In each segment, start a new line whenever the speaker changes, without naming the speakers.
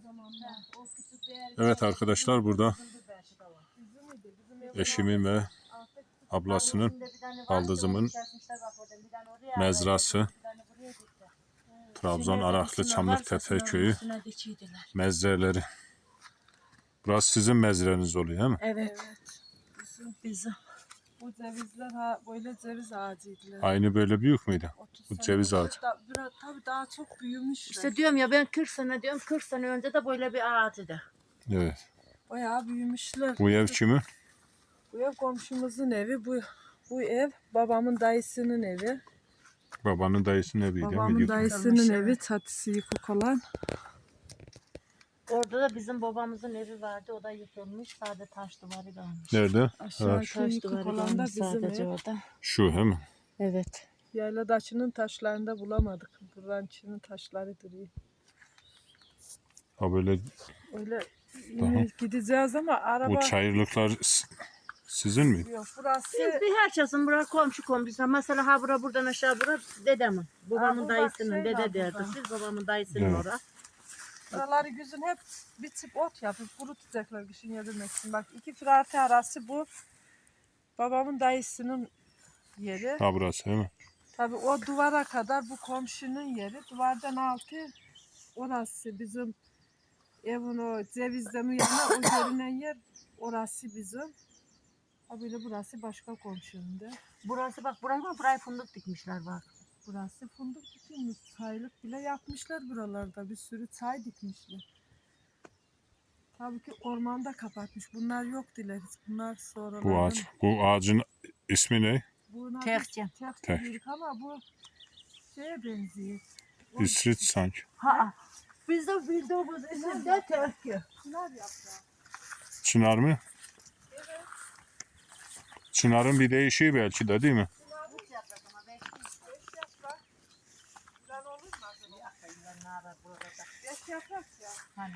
Evet arkadaşlar, burada eşimin ve ablasının, baldızımın mezrası. Trabzon Araklı Çamlıktepe köyü mezreleri. Burası sizin mezreniz oluyor değil mi?
Evet. Bizim. Bu cevizler böyle ceviz ağacıydılar.
Aynı böyle büyük müydü? Bu ceviz ağacı.
Tabii daha çok büyümüş.
İşte diyorum ya, ben 40 sene diyorum, 40 sene önce de böyle bir ağacıydı.
Evet.
Bayağı büyümüşler.
Bu ev kimin?
Bu ev komşumuzun evi. Bu ev babamın dayısının evi.
Babanın dayısının evi değil mi?
Babamın dayısının evi, çatısı yıkık olan.
Orada da bizim babamızın evi vardı. O da yıkılmış. Sadece taş duvarı kalmış.
Nerede?
Aşağı
Ha,
Taş
yıkık
duvarı
olan da
kalmış
bizim
sadece
ev.
orada.
şu he mi?
Evet.
Yayladaşının taşlarında bulamadık. Buranın içinin taşları duruyor.
Ha böyle
Öyle yine gideceğiz ama araba...
bu çayırlıklar sizin mi?
Yok burası...
Biz bir herkesin burası komşu. Mesela ha bura buradan aşağı bura dedemin. Babamın
bu bak
dayısının
şey
dede
var
derdi.
burada.
Siz babamın dayısının
Evet.
orası.
Buraları güzün hep bir tip ot yapıp kurutacaklar kışın yedirmek için. Bak 2 firarti arası bu babamın dayısının yeri.
Ha burası değil mi?
Tabii o duvara kadar bu komşunun yeri. Duvardan altı orası bizim evin o cevizden yana o görünen yer orası bizim. Ha böyle burası başka komşunun da.
Burası bak buraya fındık dikmişler bak.
Burası fındık dikilmiş. Çaylık bile yapmışlar buralarda. Bir sürü çay dikmişler. Tabii ki ormanda kapatmış. Bunlar yok diler hiç. Bunlar sonradan.
Bu ağaç. Bu ağacın ismi ne?
Tehcem.
Tehcem dedik ama bu şeye benziyor.
İsrit sanki.
Ha. Biz de bildiğimiz isimde tehcem.
Çınar yaprağı.
Çınar mı?
Evet.
Çınarın bir değişiği belki de değil mi?
Beş yaprak. Güzel olur mu acaba? 5 yaprak ya.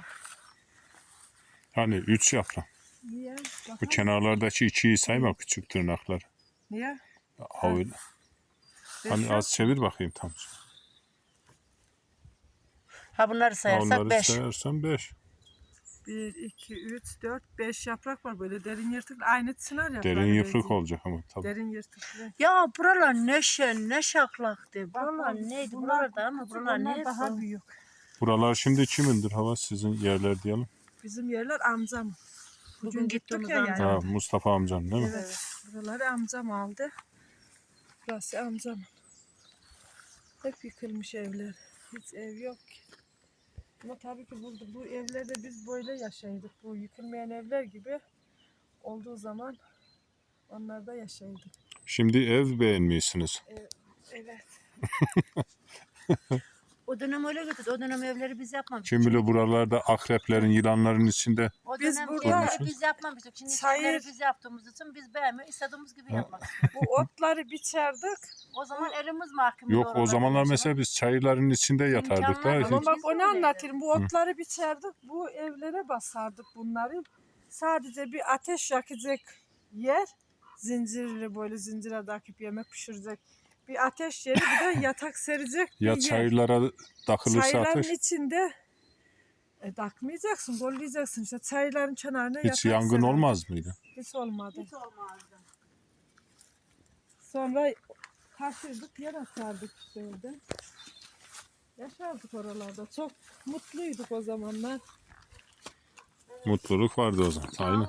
Hani 3 yaprak.
Niye?
Bu kenarlardaki içiyi sayma, küçük tırnaklar.
Niye?
Ha öyle. Hani az çevir bakayım tam.
Ha bunları sayarsak
Onları
5.
sayarsan 5.
1, 2, 3, 4, 5 yaprak var böyle derin yırtıklı. Aynı çınar yaprağı.
Derin yıprak
benziyor.
olacak ama tabii.
Derin yırtıklı.
Ya buralar ne şen, ne şaklaktı. Buralar
Bak,
neydi?
bunlar
Buralar da ama
küçük,
buralar
onlar
neydi?
daha büyük.
Buralar şimdi kimindir hava, sizin yerler diyelim.
Bizim yerler amcam.
Bugün gittiğimiz
gittik ya
amcam.
Ha, Mustafa amcan değil mi?
Evet. Buraları amcam aldı. Burası amcam. Hep yıkılmış evler. Hiç ev yok ki. Ama tabii ki bu evlerde biz böyle yaşaydık. Bu yıkılmayan evler gibi olduğu zaman onlarda yaşaydık.
Şimdi ev beğenmiyorsunuz.
Evet.
O dönem öyle götürdü. O dönem evleri biz yapmamıştık.
Kim bilir buralarda akreplerin, yılanların içinde.
O
Biz
dönem
burada-
evleri biz yapmamıştık. Şimdi
Çayır-
evleri biz yaptığımız için biz beğenmiyor. İstediğimiz gibi yapmak istiyoruz.
Bu otları biçerdik.
O zaman elimiz mahkum.
Yok o zamanlar mesela biz çayırların içinde yatardık
İmkanlar
da.
yok.
Ama
Hiç.
bak
Biz
onu
öyleydi.
anlatayım. Bu otları biçerdik. Bu evlere basardık bunları. Sadece bir ateş yakacak yer. Zincirli böyle zincire takıp yemek pişirecek. Bir ateş yeri bir de yatak serecek bir
Ya
yer.
çayırlara takılırsa
Çayların
ateş.
içinde takmayacaksın, kollayacaksın. İşte çayların kenarına
Hiç
yatak
yangın
sererdik.
olmaz mıydı?
Hiç olmadı.
Hiç olmazdı.
Sonra taşırdık, yer asardık işte orada. Yaşardık oralarda. Çok mutluyduk o zamanlar.
Mutluluk vardı o zaman. Aynen.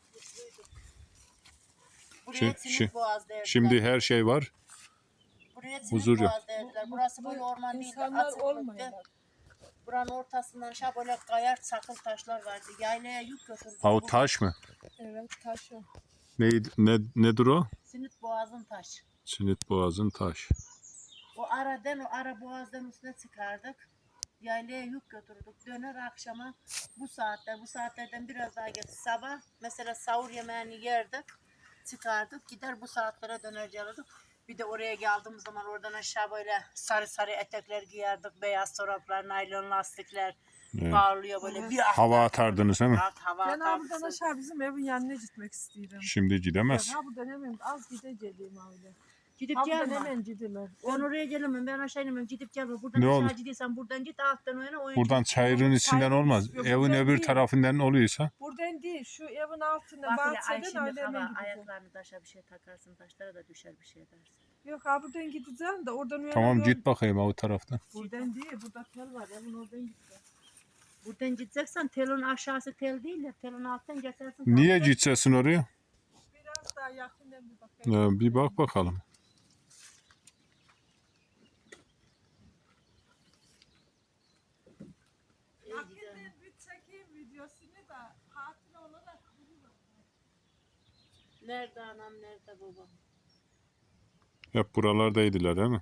Buraya
Şi-
Simit Boğaz derdiler.
Şimdi her şey var.
Buraya Simit
huzur yok.
Boğaz derdiler. Burası böyle orman değildi.
İnsanlar
Açıklıktı.
olmuyorlar.
Buranın ortasından aşağı böyle kayar çakıl taşlar vardı. Yaylaya yük götürdü.
Ha o taş mı?
Evet, taş o.
Neydi, nedir o?
Simit Boğaz'ın taş.
Sinit Boğaz'ın taş.
O ara boğazdan üstüne çıkardık. Yaylaya yük götürdük. Döner akşama bu saatlerden biraz daha geç sabah mesela sahur yemeğini yerdik. Çıkardık gider bu saatlere dönerci alırdık. Bir de oraya geldiğimiz zaman oradan aşağı böyle sarı sarı etekler giyerdik. Beyaz çoraplar, naylon lastikler
Evet.
parlıyor böyle. Bir
Hava atardınız değil mi?
hava
Ben buradan
atardık.
aşağı bizim evin yanına gitmek istiyorum.
Şimdi gidemez.
Ha bu dönemim az gideceğim öyle.
Gidip
Hamdan
gelme.
hemen gidiler.
Ben oraya gelemem. Ben aşağı inemem. Gidip gelme. Buradan
Ne
aşağı
olur?
gidiyorsan buradan git. Alttan oyna. Oyun
Buradan çayırın içinden
çayırın
olmaz.
istiyor,
Evin
buradan
öbür
değil.
tarafından oluyorsa.
Buradan değil, şu evin altına
Bak hele ay
bahçeden
şimdi
öyle hemen
hava
gideceğim.
ayaklarını taşa bir şey takarsın. Taşlara da düşer bir şey dersin.
Yok ha buradan gideceğim de oradan
Tamam
uyanıyorum.
git bakayım o taraftan.
Buradan değil, burada tel var. Evin oradan gideceğim.
Buradan gideceksen telin aşağısı tel değil de telin alttan geçersin.
Niye
Tam da-
gideceksin oraya?
Biraz daha yakından bir bakayım.
Bir bak bakalım.
Yakından bir çekeyim videosunu da hatıra olarak duruyor.
Nerede anam nerede babam?
Hep buralardaydılar değil mi?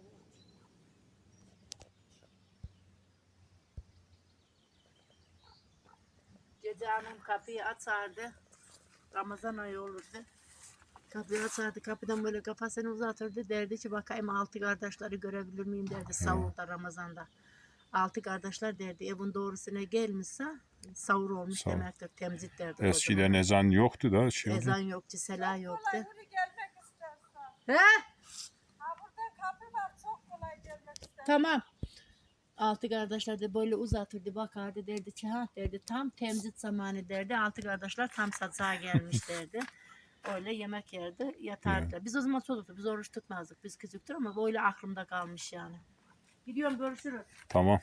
Gece annem kapıyı açardı. Ramazan ayı olurdu. Kapıyı açardı. Kapıdan böyle kafasını uzatırdı. Derdi ki bakayım altı kardeşleri görebilir miyim derdi savurda Ramazan'da. Altı kardeşler derdi evin doğrusuna gelmişse savur olmuş
Savur.
demektir. Temzit derdi. o
Eskiden
zaman.
ezan yoktu da şey oldu.
Ezan yoktu, sela yoktu.
Kolay yürü gelmek istersen.
He?
Ha burada kapı var, çok kolay gelmek istersen.
Tamam. Altı kardeşler de böyle uzatırdı bakardı derdi ki ha derdi tam temzit zamanı derdi. Altı kardeşler tam satsağa gelmiş derdi. Öyle yemek yerdi yatardı. Biz o zaman çocuktuk biz oruç tutmazdık biz küçüktür ama böyle aklımda kalmış yani. Gidiyorum görüşürüz.
Tamam.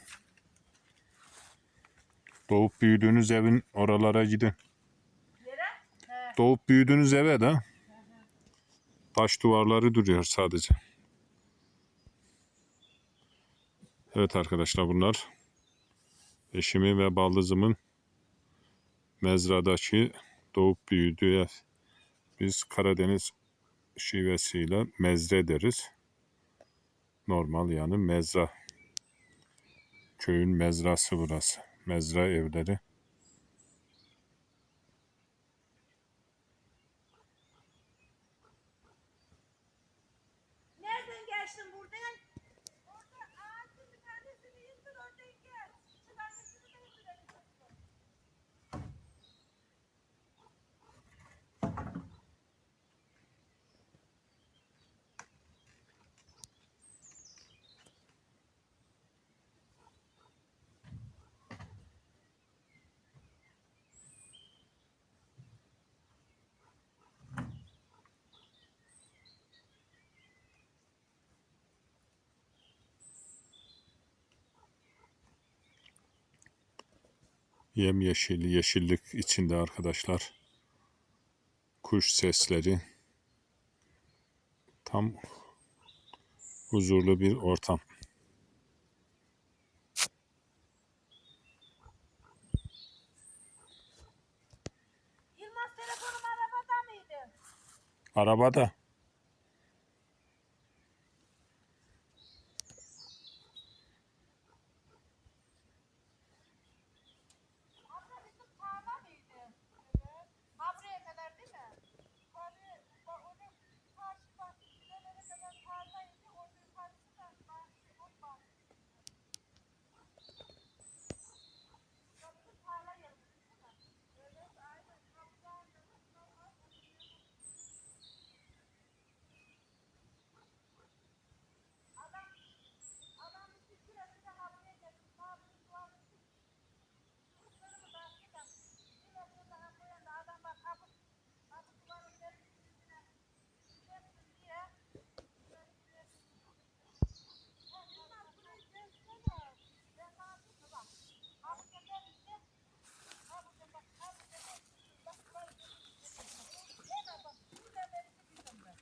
Doğup büyüdüğünüz evin oralara gidin.
He.
Doğup büyüdüğünüz eve de taş duvarları duruyor sadece. Evet arkadaşlar bunlar eşimin ve baldızımın mezradaki doğup büyüdüğü ev. Biz Karadeniz şivesiyle mezre deriz. Normal yani mezra. Köyün mezrası burası. Mezra evleri.
Nereden geçtin buradan?
Orada ağacın bir tanesini indir, oradan gel. Şu tanesini de indirelim.
Yemyeşil, yeşillik içinde arkadaşlar. Kuş sesleri. Tam huzurlu bir ortam.
Yılmaz telefonum arabada mıydı?
Arabada.
Abla bizim tarla mıydı? Evet. Ha buraya kadar değil mi? Yukarı, onu karşı bahçelere kadar tarlaydı. Onun yukarısı da bahçe, o bahçe. Ya bizim tarla yeri değil mi? Evet, aynen. Kapıdan da adam bir süresi de havaya geldi. Sağlıklı duvarı çocuklarımı bahçeden bir metre daha koyan da adam bak kapı duvarın üstüne gidersin diye. Yılmaz burayı gezsene. Ben ne yapayım bak. Abi gelir işte. Abi gel bak. Abi gelir. Bak burayı gezin. Hemen bak. Şurada beni biliyorum ben.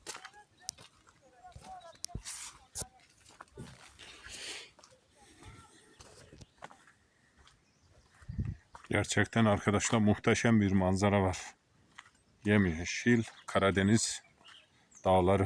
Gerçekten arkadaşlar muhteşem bir manzara var. Yemyeşil Karadeniz dağları.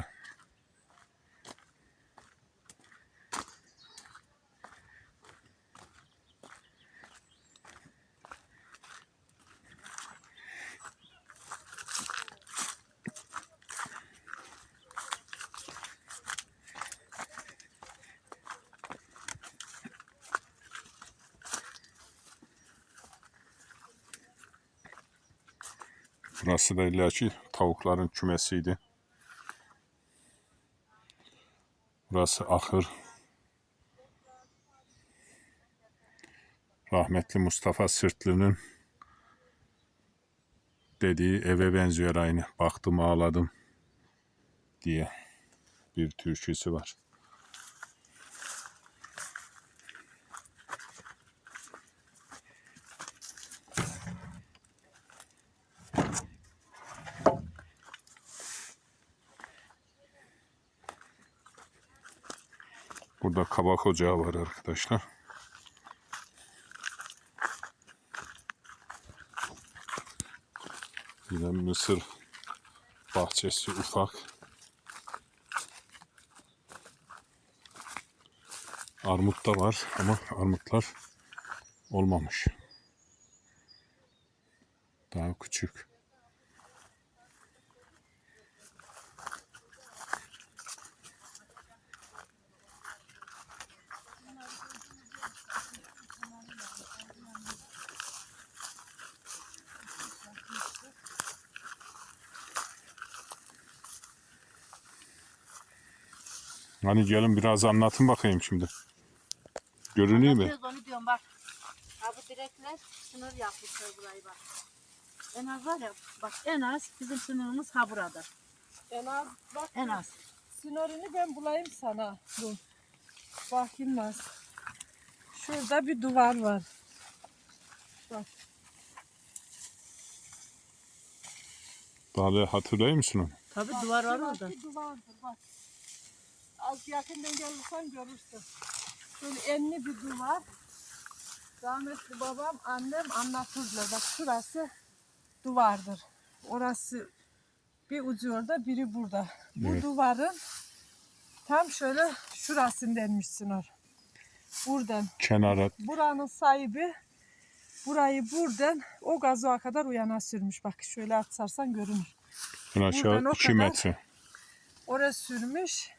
Burası da illaki tavukların kümesiydi. Burası ahır. Rahmetli Mustafa Sırtlı'nın dediği eve benziyor aynı. Baktım ağladım diye bir türküsü var. Burada kabak ocağı var arkadaşlar. Yine mısır bahçesi ufak. Armut da var ama armutlar olmamış. Daha küçük. Hani gelin biraz anlatın bakayım şimdi. Görünüyor mu?
Anlatıyoruz onu diyorum bak. Ha bu direkler sınır yapmışlar burayı bak. En az var ya bak en az bizim sınırımız ha burada.
En az bak.
En az.
Sınırını ben bulayım sana. Dur. Bak Yılmaz. Şurada bir duvar var. Bak.
Daha hatırlıyor musun onu?
Tabii duvar var orada.
Şurası duvardır bak. Az yakından gelirsen görürsün. Şöyle enli bir duvar. Rahmetli babam, annem anlatırlar. Bak şurası duvardır. Orası bir ucu orada, biri burada. Bu
Evet.
duvarın tam şöyle şurasındanmışsın or. Buradan.
Kenara.
Buranın sahibi burayı buradan o gazoğa kadar uyana sürmüş. Bak şöyle atsarsan görünür.
En aşağı
Buradan o
2
kadar.
metre.
Oraya sürmüş.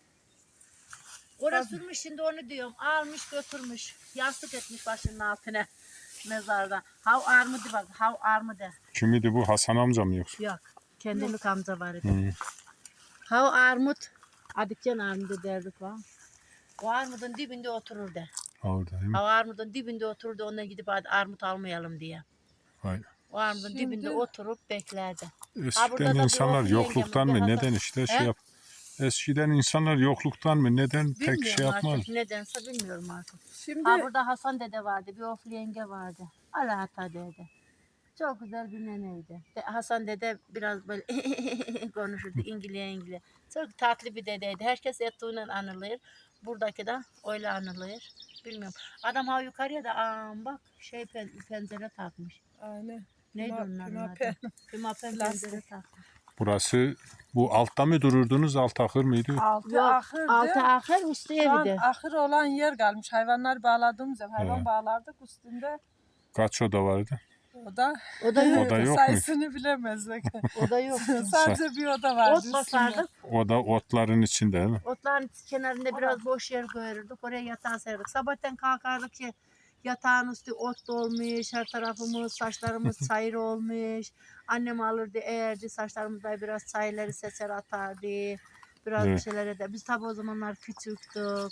Orası sürmüş şimdi onu diyorum. Almış götürmüş. Yastık etmiş başının altına mezarda. Hav armudu bak. Hav armudu.
Kimidi bu? Hasan amca mı yoksa?
Yok. Kendimlik amca var idi.
Hı.
Hav armut. Adikcan armudu derdik var. O armudun dibinde otururdu.
Orada değil mi?
Hav armudun dibinde otururdu. Ondan gidip hadi armut almayalım diye.
Vay.
O armudun
Şimdi-
dibinde oturup beklerdi. burada
Eskiden
da bir
insanlar
oğlu
yokluktan
yengem,
mı
bir
neden
Hasan.
işte
He?
şey yap. Eskiden insanlar yokluktan mı neden pek şey
Bilmiyorum
yapmaz.
artık. Nedense bilmiyorum artık.
Şimdi
Ha burada Hasan dede vardı. Bir oflu yenge vardı. Alata dede. Çok güzel bir neneydi. Hasan dede biraz böyle konuşurdu İngiliz. Çok tatlı bir dedeydi. Herkes ettiğiyle anılır. Buradaki de öyle anılır. Bilmiyorum. Adam ha yukarıya da bak pencere takmış.
aynen.
Neydi
Pima-
onların
pimapen.
adı? Pimapen
Plastik.
pencere takmış.
Burası bu altta mı dururdunuz? Alt ahır mıydı?
Altı
Yok,
ahırdı.
altı ahır üstü
Şu an
evi de.
ahır olan yer kalmış. Hayvanlar bağladığımız yer. Hayvan
He.
bağlardık üstünde.
Kaç oda vardı?
O da
O da yok.
O da yok mu?
sayısını bilemezdik.
O da yok.
Sadece bir oda vardı
Ot
üstünde.
basardık.
O da otların içinde değil mi?
Otların kenarında biraz boş yer koyardık. Oraya yatağı serdik. Sabahtan kalkardık ki yatağın üstü ot dolmuş. Her tarafımız, saçlarımız çayır olmuş. Annem alırdı, eğerdi. Saçlarımızda biraz çayları seser atardı. Biraz bir
Evet.
şeyler eder. Biz tabii o zamanlar küçüktük.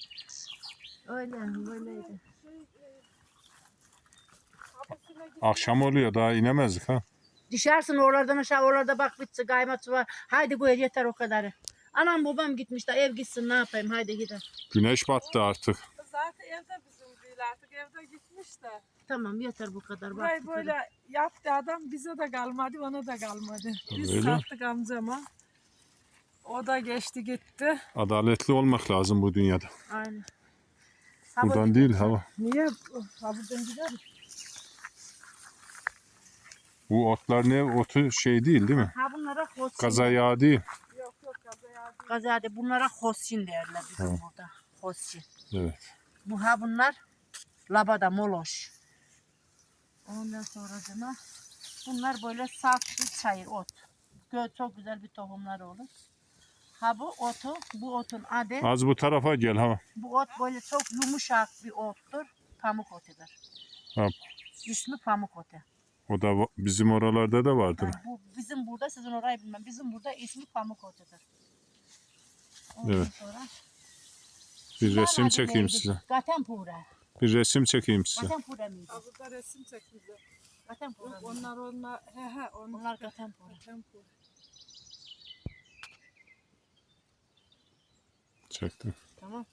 Öyle, böyleydi.
Akşam oluyor daha inemezdik ha.
Düşersin oralardan aşağı, oralarda bak bitsi kaymak var. Haydi bu yeter o kadarı. Anam babam gitmiş de ev gitsin ne yapayım haydi gidelim.
Güneş battı artık.
Zaten evde bizim değil artık. Evde gitmiş de.
Tamam yeter bu kadar. Bak,
Burayı
bu kadar.
böyle yaptı adam. Bize de kalmadı, ona da kalmadı. Biz
Öyle.
sattık amcama. O da geçti gitti.
Adaletli olmak lazım bu dünyada.
Aynen.
Buradan değil hava.
Niye? Ha buradan gidelim.
Bu otlar ne otu şey değil değil mi?
Ha bunlara hosin.
Kaza yağı değil.
Yok yok kazaya değil.
Gazade bunlara hosin derler bizim
Ha.
burada. Hosin.
Evet.
Bu ha bunlar labada moloş. Ondan sonra cana bunlar böyle saf bir çayır ot. Çok güzel bir tohumlar olur. Ha bu otu, bu otun adı,
Az bu tarafa gel ha.
bu ot böyle çok yumuşak bir ottur. Pamuk otudur.
Ha.
İsmi pamuk otu.
O da bizim oralarda da vardır.
Yani bu bizim burada, sizin orayı bilmem. Bizim burada ismi pamuk otudur. Ondan
Evet.
sonra
Bir resim
Adı
çekeyim
neydi?
size.
Gatenpura.
Bir resim çekeyim size.
Gatenpura mıydı?
Ha, burada resim çek bize.
Gatenpura
Yok
mıydı?
onlar he
Onlar Gatenpura.
Tempo.
Çektim.
Tamam.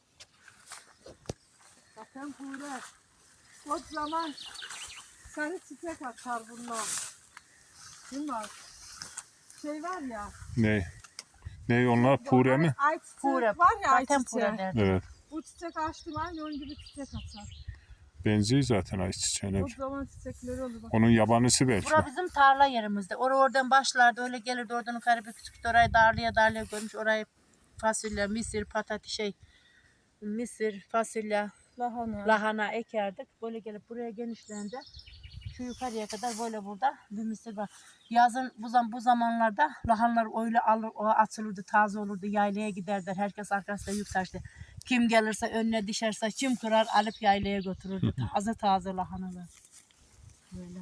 Tempura. O zaman sarı çiçek atar bunlar. Değil mi? Şey var ya.
Ne? Ne onlar? Pure mi?
Ay çiçek
Pura.
var ya ay
Gatenpura
çiçeği.
derdi.
Evet.
Bu çiçek açtım aynı onun gibi çiçek açar.
Benziyor zaten ayçiçeğine.
O zaman çiçekleri olur bak.
Onun yabanısı belki.
Bura bizim tarla yerimizde. Oradan başlardı öyle gelirdi oradan yukarı bir küçük orayı darlaya görmüş. Orayı fasulye, mısır, patates mısır, fasulye,
Lahana.
lahana ekerdik. Böyle gelip buraya genişlendi. Şu yukarıya kadar böyle burada bir mısır var. Yazın bu zamanlarda lahanlar öyle alır, o atılırdı, taze olurdu. Yaylaya giderler. Herkes arkasında yük taştı. Kim gelirse önüne düşerse kim kırar alıp yaylaya götürürdü. Taze taze lahanalar. Böyle.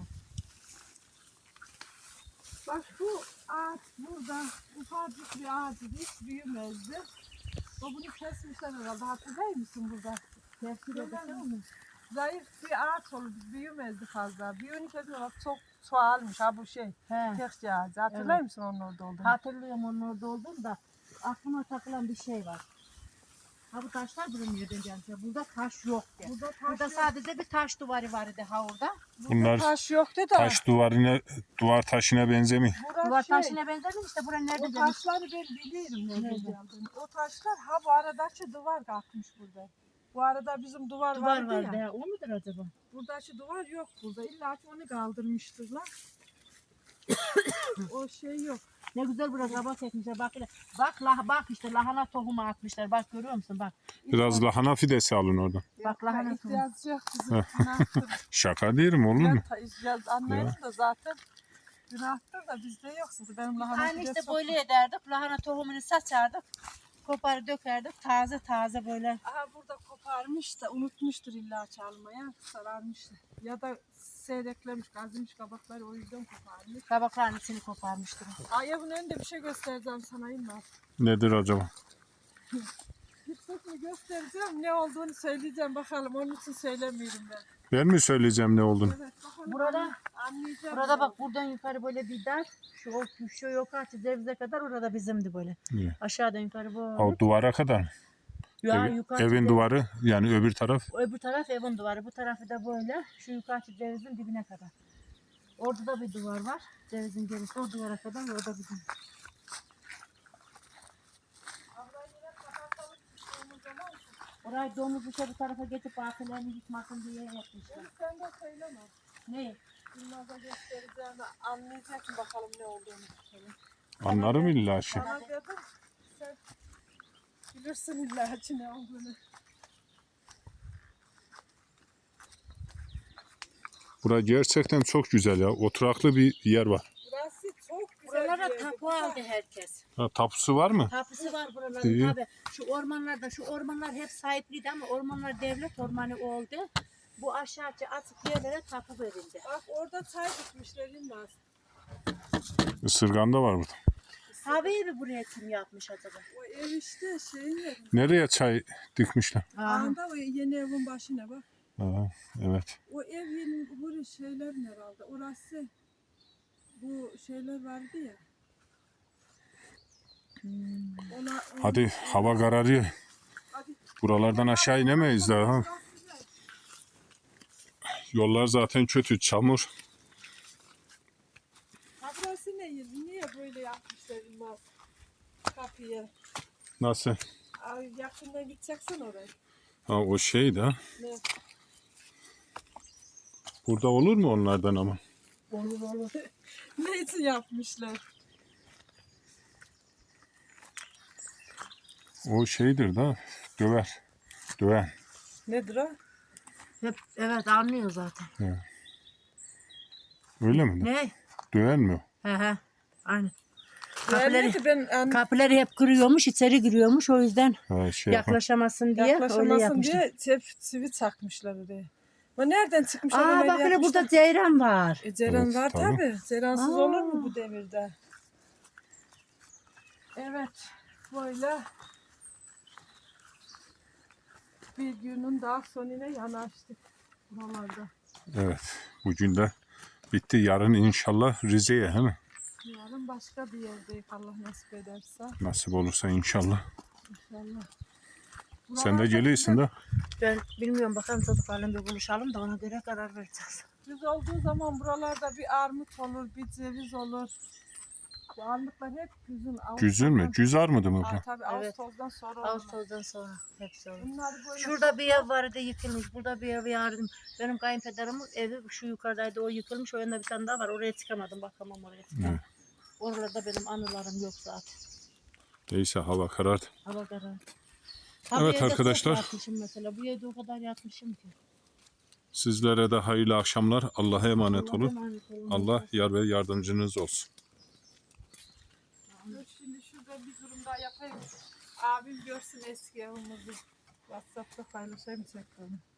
Bak bu ağaç burada ufacık bir ağacı hiç büyümezdi. O bunu kesmişler herhalde. Hatırlıyor musun burada? Zayıf bir ağaç oldu. Büyümezdi fazla. Büyüğünü kesmiyorlar. Çok çoğalmış. Ha bu şey.
He.
Tekçe ağacı. Hatırlıyor
Evet.
musun onun orada olduğunu?
Hatırlıyorum onun orada olduğunu da aklıma takılan bir şey var. Ha bu taşlar bulunmuyor diyeceğim. Burada taş yok ya.
Burada taş
Burada
yok.
sadece bir taş duvarı vardı ha orada.
Bunlar
Taş yoktu da.
taş duvar taşına benzemiyor.
Burası
Duvar
şey,
taşına benzedim işte buraya nerede
o
demiş.
taşları ben biliyorum nerede
Nerede?
geldiğini. O taşlar ha bu aradaki duvar kalkmış burada. Bu arada bizim duvar
Duvar
vardı
vardı
ya.
ya. O mudur acaba?
Buradaki duvar yok burada. İlla ki onu kaldırmıştırlar. O şey yok.
Ne güzel burası kabak ekmişler. Bak, bak işte lahana tohumu atmışlar. Bak görüyor musun? Bak.
Biraz lahana fidesi alın oradan.
Bak lahana tohumu.
İhtiyacı yok bizim. Günahtır.
Şaka değilim olur mu?
Ben anlayın da zaten günahtır da bizde yoksa benim lahana
Aynı işte
fidesi
böyle
yok.
ederdik. Lahana tohumunu saçardık. Koparı dökerdik. Taze taze böyle.
Aha burada koparmış da unutmuştur illa çalmaya. Sararmıştır. Ya da seyreklemiş, kazımış kabakları o yüzden koparmış.
Kabakların içini koparmıştır.
Ay bunun önünde bir şey göstereceğim sana İlmaz.
Nedir acaba?
Gitmek göstereceğim ne olduğunu söyleyeceğim bakalım onun için söylemiyorum ben.
Ben mi söyleyeceğim ne olduğunu?
Evet bakalım
Burada-
anlayacağım.
Burada bak buradan yukarı böyle bir dar. Şu yukarı cevize kadar orada bizimdi böyle.
İyi.
Aşağıdan yukarı bu.
O duvara kadar mı?
Ya yukarı
Evin
ceviz-
duvarı yani öbür taraf.
Öbür taraf evin duvarı. Bu tarafı da böyle. Şu yukarı cevizin dibine kadar. Orada da bir duvar var. Cevizin gerisi o duvara kadar orada bizim. Orayı domuz bu tarafa getirip akıllarını yıkmasın diye yapmışlar.
Sen de söyleme.
Ne?
İlmaz'a göstereceğim anlayacak mı bakalım ne olduğunu.
Anlarım illa şey.
Bana dedim sen bilirsin illa ki ne olduğunu.
Bura gerçekten çok güzel ya. Oturaklı bir yer var.
Burası çok güzel
Buralara
bir yerdi.
tapu aldı herkes.
Ha, tapusu var mı?
Tapusu var buraların
İyi.
tabi. Şu ormanlar hep sahipliydi ama ormanlar devlet ormanı oldu. Bu aşağıya açık yerlere tapu verildi.
Bak orada çay dikmişler İlmaz.
Isırgan da var burada.
Tabii mi buraya kim yapmış acaba?
O ev işte şeyin yeri.
Nereye çay dikmişler?
Anda o yeni evin başına bak.
Ha, evet.
O ev yeni buraya şeyler herhalde. Orası bu şeyler vardı ya. Ona,
Hadi hava kararıyor.
Hadi.
Buralardan aşağı inemeyiz daha. Ha. Yollar zaten kötü, çamur.
Ha burası ne yeri? Niye böyle yapmışlar İlmaz? Kapıyı.
Nasıl?
Ay, yakından gideceksin oraya.
Ha, o şey de.
Ne?
Burada olur mu onlardan ama?
Olur olur.
Ne için yapmışlar?
O şeydir da. Döver. Döven.
Nedir o?
Hep, evet anlıyor zaten.
Öyle mi?
Ne?
Döven mi?
He he. Aynen.
Kapıları,
Kapıları, kapıları hep kırıyormuş, içeri giriyormuş. O yüzden
Ha, şey yapan.
yaklaşamasın diye öyle
yaklaşamasın
yapmışlar.
diye çivi çakmışlar oraya. Bu nereden çıkmışlar?
Aa
öyle
bak hele
yapmışlar?
burada ceyran var.
Ceyran
Evet,
var
tabii.
tabi. Ceyransız
Aa.
olur mu bu devirde? Evet. Böyle. bir günün daha sonuna yanaştık buralarda.
Evet. Bugün de bitti. Yarın inşallah Rize'ye, he mi?
Yarın başka bir yerdeyiz Allah nasip ederse.
Nasip olursa inşallah.
İnşallah.
Sen de geliyorsun da.
Ben bilmiyorum, bakalım çocuklarla bir buluşalım da ona göre karar vereceğiz.
Biz olduğu zaman buralarda bir armut olur, bir ceviz olur. Bu armutlar hep güzün.
Güzün mü? Güz armudu mu bu?
Tabii
Evet.
Ağustos'tan sonra olur.
Ağustos'tan sonra hepsi olur.
Bunları böyle
Şurada bir ev vardı yıkılmış. Burada bir ev vardı. Benim kayınpederimin evi şu yukarıdaydı, o yıkılmış. O yanda bir tane daha var. Oraya çıkamadım. Bakamam oraya çıkamam.
Evet.
Oralarda benim anılarım yok zaten.
Neyse hava karardı.
Hava karar.
Evet arkadaşlar.
Yatmışım mesela. Bu evde o kadar yatmışım ki.
Sizlere de hayırlı akşamlar. Allah'a emanet
Allah'a
olun.
emanet olun.
Allah yar ve yardımcınız olsun.
Dur şimdi şurada bir durum daha yapayım. Abim görsün eski evimizi. WhatsApp'ta paylaşayım tekrar.